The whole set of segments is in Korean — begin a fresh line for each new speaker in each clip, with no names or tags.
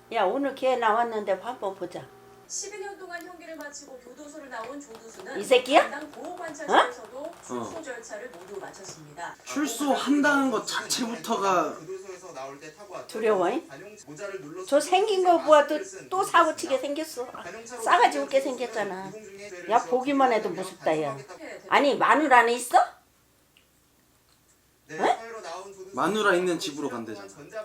야 오늘 걔 나왔는데 한번 보자.
12년 동안 형기를 마치고 교도소를 나온 조두수는
이 새끼야?
담당 보호관찰소에서도 출소 절차를 모두 마쳤습니다.
출소한다는 것 자체부터가
두려워. 저 생긴 거 보아도 또 사고치게 생겼어. 싸가지 없게 생겼잖아. 야 보기만 해도 무섭다 야. 아니 마누라 안에 있어?
마누라 있는 집으로 간대잖아.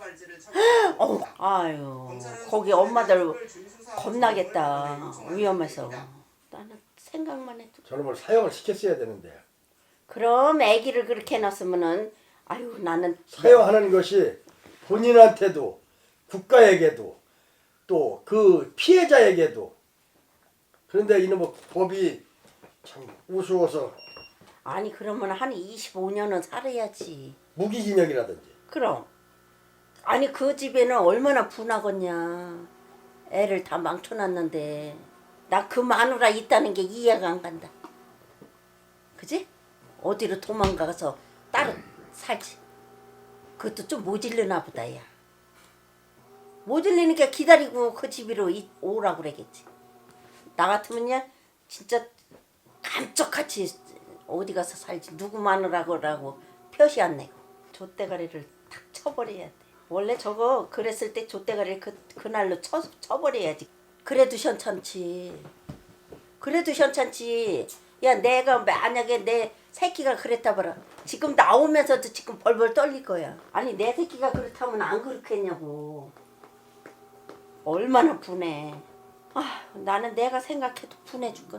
아유 거기 엄마들 겁나겠다. 위험해서. 나는 생각만 해도.
저놈을 사형을 시켰어야 되는데.
그럼 아기를 그렇게 해놨으면은 아유 나는
사형하는 것이 본인한테도 국가에게도 또 그 피해자에게도. 그런데 이놈의 법이 참 우스워서
아니 그러면 한 25년은 살아야지.
무기징역이라든지.
그럼 아니 그 집에는 얼마나 분하겠냐. 애를 다 망쳐놨는데 나 그 마누라 있다는 게 이해가 안 간다. 그지? 어디로 도망가서 따로 살지. 그것도 좀 모질르나 보다 야. 모질리니까 기다리고 그 집으로 오라고 그러겠지. 나 같으면야 진짜 감쪽같이 어디 가서 살지. 누구 마누라고 표시 안 내고 좆대가리를 탁 쳐버려야 돼. 원래 저거 그랬을 때 좆대가리를 그날로 쳐버려야지. 그래도 현찮지. 그래도 현찮지. 야 내가 만약에 내 새끼가 그랬다 봐라. 지금 나오면서도 지금 벌벌 떨릴 거야. 아니 내 새끼가 그렇다면 안 그렇겠냐고. 얼마나 분해. 아 나는 내가 생각해도 분해 죽건.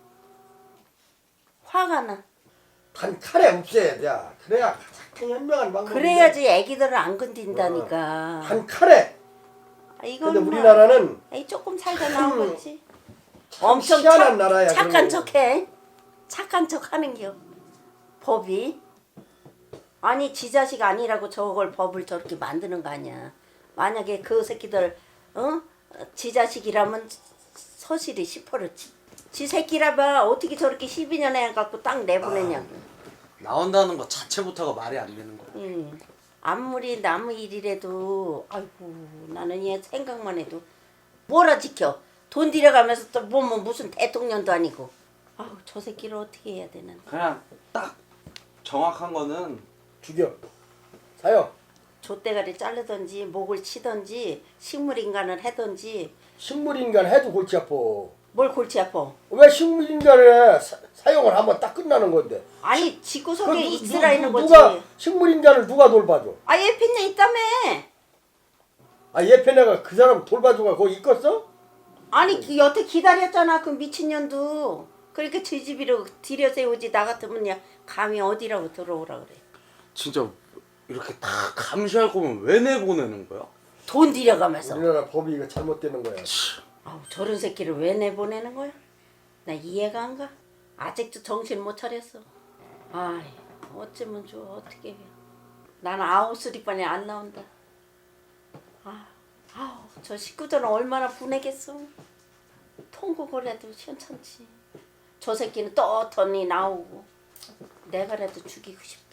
화가 나.
단 칼에 없애야 돼. 그래야 가장 현명한 방법인데.
그래야지 애기들을 안 건든다니까.
단 칼에.
아, 이건
근데
뭐,
우리나라는
에이, 조금 살다 나온 거지.
참
엄청
희한한 나라야.
착한
그런 거.
척해. 착한 척 하는겨. 법이. 아니 지 자식 아니라고 저걸 법을 저렇게 만드는 거 아니야. 만약에 그 새끼들 지 자식이라면 서실이 10%지. 지 새끼라봐 어떻게 저렇게 12년 해 갖고 딱 내보내냐고.
나온다는 것 자체부터가 말이 안 되는 거야.
아무리 남의 일이라도 아이고 나는 얘 생각만 해도 뭐라 지켜. 돈 들여가면서 또 뭐 무슨 대통령도 아니고. 아우 저 새끼를 어떻게 해야 되나.
그냥 딱 정확한 거는
죽여. 사형.
좆대가리 자르든지 목을 치든지 식물인간을 하든지.
식물인간 해도 골치 아파.
뭘 골치 아파.
왜 식물인간에 사형을 하면 딱 끝나는 건데.
아니 집구석에
그
있으라 있는 거지.
누가 식물인간을 누가 돌봐줘?
아 예편녀 있다며.
아 예편애가 그 사람 돌봐줘가 거기 있겠어?
아니 그 여태 기다렸잖아 그 미친년도. 그렇게 제 집으로 들여세우지. 나 같으면 야 감히 어디라고 들어오라 그래.
진짜 이렇게 다 감시할 거면 왜 내보내는 거야?
돈 들여가면서.
우리나라 법이 이거 잘못되는 거야.
아우 저런 새끼를 왜 내보내는 거야? 나 이해가 안 가. 아직도 정신 못 차렸어. 아이 어쩌면 좋아. 어떻게 해. 나는 아웃스리반에 안 나온다. 아우 저 식구들은 얼마나 분해겠어. 통곡을 현찮지. 저 새끼는 떳떳이 나오고 내가라도 죽이고 싶다.